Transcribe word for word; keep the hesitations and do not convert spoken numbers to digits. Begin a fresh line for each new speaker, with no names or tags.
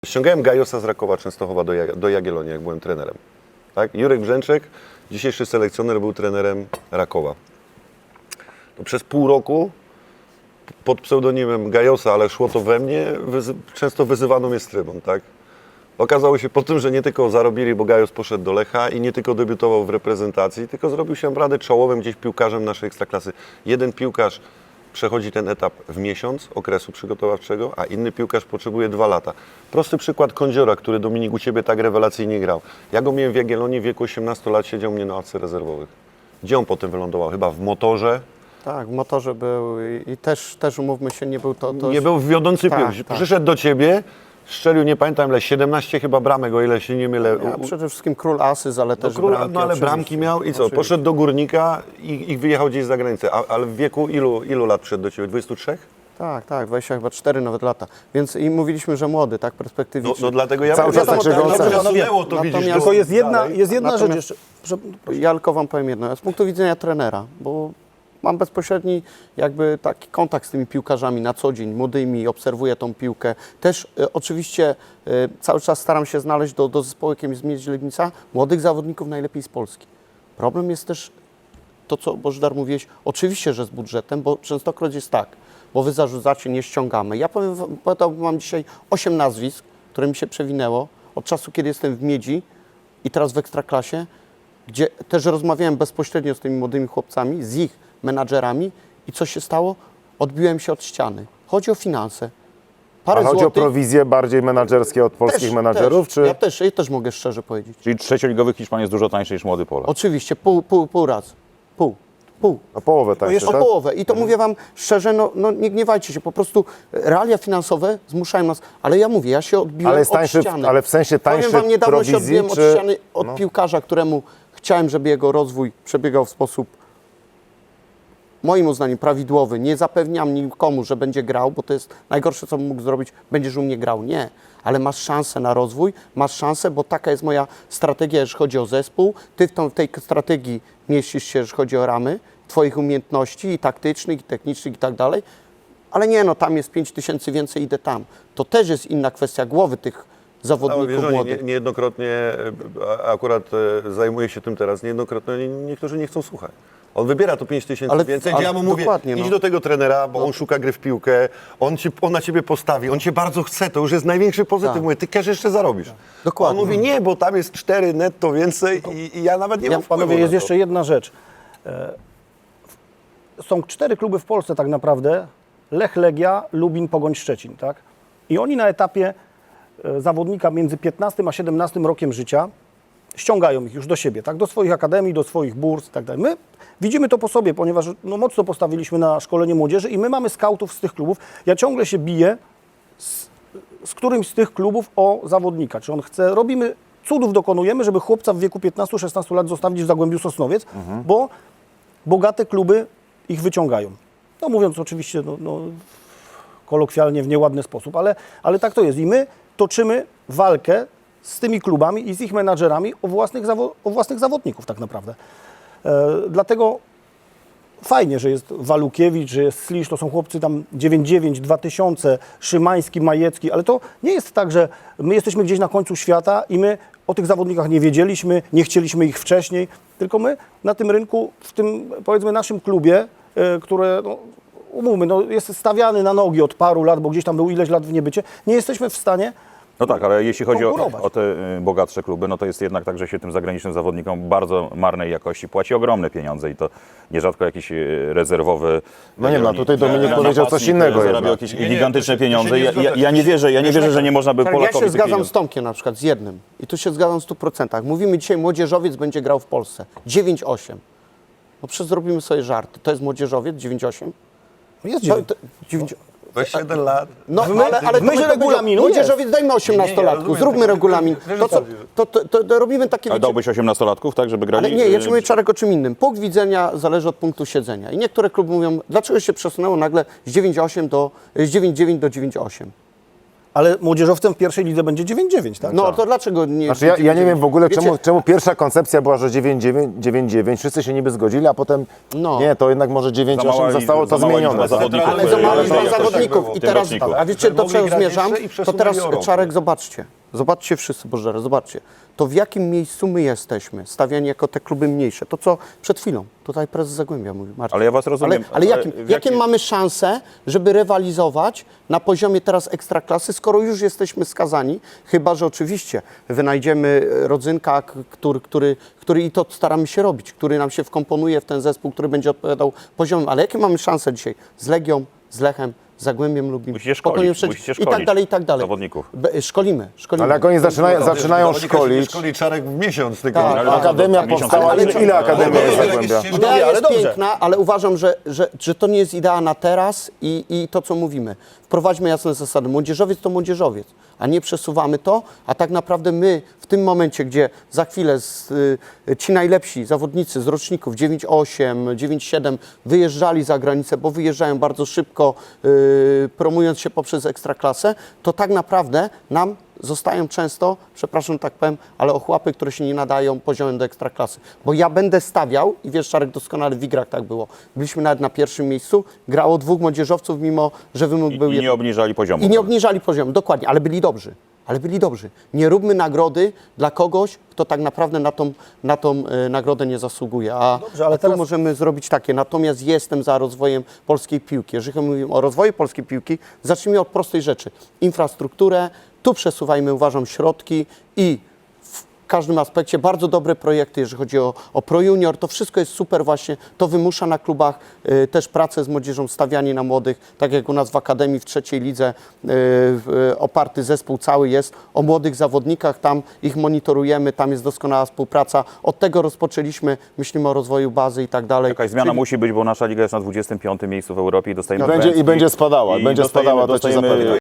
Ściągałem Gajosa z Rakowa Częstochowa do, Jag do Jagiellonii, jak byłem trenerem. Tak? Jurek Brzęczek, dzisiejszy selekcjoner, był trenerem Rakowa. To przez pół roku pod pseudonimem Gajosa, ale szło to we mnie, wyzy często wyzywano mnie z trybun. Tak? Okazało się po tym, że nie tylko zarobili, bo Gajos poszedł do Lecha i nie tylko debiutował w reprezentacji, tylko zrobił się naprawdę czołowym gdzieś piłkarzem naszej ekstraklasy. Jeden piłkarz przechodzi ten etap w miesiąc okresu przygotowawczego, a inny piłkarz potrzebuje dwa lata. Prosty przykład Kądziora, który, Dominik, u Ciebie tak rewelacyjnie grał. Ja go miałem w Jagiellonii, w wieku osiemnastu lat, siedział mnie na ławce rezerwowych. Gdzie on potem wylądował? Chyba w Motorze?
Tak, w Motorze był i, i też, też, umówmy się, nie był to... to
nie był wiodący
tak,
piłkarz.
tak.
Przyszedł do Ciebie, strzelił, nie pamiętam ile, siedemnaście chyba bramek, o ile się nie mylę.
Ja, przede wszystkim król Asyz, ale
No,
też
król,
bramki.
no ale
oczywiście.
bramki miał i co?
Oczywiście.
Poszedł do Górnika i, i wyjechał gdzieś za granicę. A, ale w wieku ilu, ilu lat przyszedł do Ciebie? dwudziestu trzech?
Tak, tak, dwadzieścia chyba cztery nawet lata. Więc i mówiliśmy, że młody, tak,
No,
perspektywiczny.
no dlatego ja
Cały czas tak się
no,
gołca.
przesunęło to, widzisz,
Natomiast-
do-
Tylko jest jedna,
dalej.
jest jedna rzecz
Natomiast-
jeszcze. Prze-
Ja tylko Wam powiem jedno, z punktu widzenia trenera, bo mam bezpośredni jakby taki kontakt z tymi piłkarzami na co dzień, młodymi, obserwuję tą piłkę. Też e, oczywiście e, cały czas staram się znaleźć do, do zespołu, jakim jest Miedź Legnica, młodych zawodników najlepiej z Polski. Problem jest też to, co Bożydar mówiłeś, oczywiście, że z budżetem, bo częstokroć jest tak, bo Wy zarzucacie, nie ściągamy. Ja powiem, wam- podałbym Wam dzisiaj osiem nazwisk, które mi się przewinęło od czasu, kiedy jestem w Miedzi i teraz w Ekstraklasie, gdzie też rozmawiałem bezpośrednio z tymi młodymi chłopcami, z ich menadżerami i co się stało? Odbiłem się od ściany. Chodzi o finanse. Parę
A chodzi o
złotych.
prowizje bardziej menadżerskie od polskich
Też,
menadżerów,
też.
czy...
Ja też, ja też mogę szczerze powiedzieć.
Czyli trzecioligowy Hiszpan jest dużo tańszy niż młody Polak.
Oczywiście, pół, pół, pół razy. Pół. Pół.
O połowę tańsze,
Jeszcze o
tak?
połowę. I to mówię Wam szczerze, no, no nie gniewajcie się, po prostu realia finansowe zmuszają nas. Ale ja mówię, ja się odbiłem
Ale jest
od
tańszy w-
ściany.
ale w sensie tańszy
Powiem Wam, niedawno się
prowizji,
odbiłem
czy-
od ściany, od
no.
piłkarza, któremu chciałem, żeby jego rozwój przebiegał w sposób moim uznaniem prawidłowy. Nie zapewniam nikomu, że będzie grał, bo to jest najgorsze, co bym mógł zrobić, będziesz u mnie grał. Nie, ale masz szansę na rozwój, masz szansę, bo taka jest moja strategia, jeżeli chodzi o zespół. Ty w, tą, w tej strategii mieścisz się, jeżeli chodzi o ramy Twoich umiejętności i taktycznych, i technicznych i tak dalej. Ale nie, no tam jest pięć tysięcy więcej, idę tam. To też jest inna kwestia głowy tych
No,
zawodników
wiesz, oni
młodych.
nie, niejednokrotnie, e, a- akurat e, zajmuję się tym teraz, niejednokrotnie nie, niektórzy nie chcą słuchać. On wybiera to pięć tysięcy
Ale-
więcej,
ale
gdzie ja mu mówię,
dokładnie,
idź
no.
do tego trenera, bo on szuka gry w piłkę, on, ci, on na Ciebie postawi, on Cię bardzo chce, to już jest największy pozytyw.
Tak.
Mówię, Ty cash jeszcze zarobisz.
Dokładnie.
A on mówi, nie, bo tam jest cztery netto więcej i, i ja nawet nie
Ja-
mam wpływu
Panowie, jest
na to.
jeszcze jedna rzecz. E, Są cztery kluby w Polsce tak naprawdę. Lech, Legia, Lubin, Pogoń, Szczecin, tak? I oni na etapie e, zawodnika między piętnastym a siedemnastym rokiem życia ściągają ich już do siebie, tak? Do swoich akademii, do swoich burs i tak dalej. My widzimy to po sobie, ponieważ no, mocno postawiliśmy na szkolenie młodzieży i my mamy skautów z tych klubów. Ja ciągle się biję z, z którymś z tych klubów o zawodnika. Czy on chce, robimy, cudów dokonujemy, żeby chłopca w wieku piętnastu szesnastu lat zostawić w Zagłębiu Sosnowiec, bo bogate kluby ich wyciągają. No mówiąc oczywiście no, no, kolokwialnie w nieładny sposób, ale, ale tak to jest. I my toczymy walkę z tymi klubami i z ich menadżerami o własnych, zawo- o własnych zawodników tak naprawdę. E, dlatego fajnie, że jest Walukiewicz, że jest Slisz, to są chłopcy tam dziewięćset dziewięć, dwa tysiące, Szymański, Majecki, ale to nie jest tak, że my jesteśmy gdzieś na końcu świata i my o tych zawodnikach nie wiedzieliśmy, nie chcieliśmy ich wcześniej, tylko my na tym rynku, w tym powiedzmy naszym klubie, e, które no, umówmy, no, jest stawiany na nogi od paru lat, bo gdzieś tam był ileś lat w niebycie, nie jesteśmy w stanie.
No tak, ale jeśli chodzi o,
konkurować.
o te y, bogatsze kluby, no to jest jednak tak, że się tym zagranicznym zawodnikom bardzo marnej jakości płaci ogromne pieniądze i to nierzadko jakiś y, rezerwowy...
No nie, no,
y,
tutaj Dominik
na-
powiedział coś
napastnik,
innego
Zarabia
jednak.
jakieś
Nie, nie,
gigantyczne
to się-
pieniądze.
to się nie
Ja, ja,
zgadza.
ja nie wierzę, ja nie wierzę, że nie można by
Tak, ja
Polakowi
się
tych
zgadzam
pieniędzy...
z Tomkiem na przykład, z jednym. I tu się zgadzam w stu procentach. Mówimy dzisiaj, młodzieżowiec będzie grał w Polsce. dziewięć osiem. No przecież zrobimy sobie żarty. To jest młodzieżowiec, dziewięć osiem?
Jest
To, to, dziewięć...
Weź siedem lat.
No,
W my-
ale, ale
w myśl
to będę
regulaminu
powiedział, młodzieżowiec, dajmy osiemnastolatku,
rozumiem,
zróbmy
tylko-
regulamin.
wiesz,
To, co,
co-
to, to, to, to robimy takie...
Ale
wiecie-
dałbyś osiemnastolatków, tak, żeby grali...
Ale nie, ja ci
y,
mówię Czarek o czym innym. Punkt widzenia zależy od punktu siedzenia. I niektóre kluby mówią, dlaczego się przesunęło nagle z dziewięć osiem do, z dziewięć dziewięć do dziewięć osiem?
Ale młodzieżowcem w pierwszej lidze będzie dziewięć dziewięć, tak?
No to dlaczego nie...
Znaczy ja, ja nie wiem w ogóle,
Wiecie,
czemu, czemu pierwsza koncepcja była, że dziewięć dziewięć, wszyscy się niby zgodzili, a potem
No.
nie, to jednak może dziewięć
Za mała
osiem zostało to
liczba- za mała
zmienione.
liczba
tak?
zawodników.
Ale za mało
Ale
liczba
to jakoś tak
zawodników.
było.
I teraz,
Tym
a wiecie, do
Mogli
czego
grać
zmierzam?
jeszcze i
To
przesunęli
teraz,
o rok.
Czarek, zobaczcie. Zobaczcie wszyscy, Bożdżary, zobaczcie. To w jakim miejscu my jesteśmy, stawiani jako te kluby mniejsze. To, co przed chwilą tutaj prezes Zagłębia mówił, Marcin.
Ale ja was rozumiem,
Ale, ale
ale
jakim,
w
jakie
jakim-
mamy szanse, żeby rywalizować na poziomie teraz ekstraklasy, skoro już jesteśmy skazani, chyba że oczywiście wynajdziemy rodzynka, k- który, który, który i to staramy się robić, który nam się wkomponuje w ten zespół, który będzie odpowiadał poziomem. Ale jakie mamy szanse dzisiaj z Legią, z Lechem, z Zagłębiem Lubin,
Musicie szkolić,
Pokoniem Szczecin
musicie
i tak
szkolić
dalej, i tak dalej.
zawodników.
Be, szkolimy, szkolimy.
Ale jak oni zaczynają,
No,
zaczynają
zawodnika się nie
szkolić,
szkoli Czarek w miesiąc, tylko
Tak,
ale
akademia
miesiąc-
powstała,
ale-
ile, ile akademia
ale-
jest
ale-
Zagłębia?
ale-
Idea
ale
jest
dobrze.
piękna, ale uważam, że, że, że to nie jest idea na teraz i, i to, co mówimy. Wprowadźmy jasne zasady. Młodzieżowiec to młodzieżowiec, a nie przesuwamy to, a tak naprawdę my w tym momencie, gdzie za chwilę z, y, ci najlepsi zawodnicy z roczników dziewięć osiem, dziewięć siedem wyjeżdżali za granicę, bo wyjeżdżają bardzo szybko, y, promując się poprzez ekstraklasę, to tak naprawdę nam zostają często, przepraszam, tak powiem, ale ochłapy, które się nie nadają poziomem do ekstraklasy. Bo ja będę stawiał, i wiesz, Czarek, doskonale w igrach tak było, byliśmy nawet na pierwszym miejscu, grało dwóch młodzieżowców, mimo że wymóg
I,
był
i
jeden.
nie obniżali poziomu.
I nie obniżali poziomu, dokładnie, ale byli dobrzy. Ale byli dobrzy. Nie róbmy nagrody dla kogoś, kto tak naprawdę na tą, na tą e, nagrodę nie zasługuje. A,
Dobrze, ale
a tu
teraz-
możemy zrobić takie. Natomiast jestem za rozwojem polskiej piłki. Jeżeli mówimy o rozwoju polskiej piłki, zacznijmy od prostej rzeczy. Infrastrukturę, tu przesuwajmy, uważam, środki i w każdym aspekcie bardzo dobre projekty, jeżeli chodzi o, o Pro Junior, to wszystko jest super właśnie, to wymusza na klubach y, też pracę z młodzieżą, stawianie na młodych, tak jak u nas w Akademii w trzeciej lidze y, y, oparty zespół cały jest o młodych zawodnikach, tam ich monitorujemy, tam jest doskonała współpraca, od tego rozpoczęliśmy, myślimy o rozwoju bazy i tak dalej.
Jakaś zmiana
Czyli-
musi być, bo nasza liga jest na dwudziestym piątym miejscu w Europie i dostajemy
I będzie, i
pęd,
będzie spadała,
i
będzie
dostajemy-
spadała, to ci
dostajemy
zapewniam.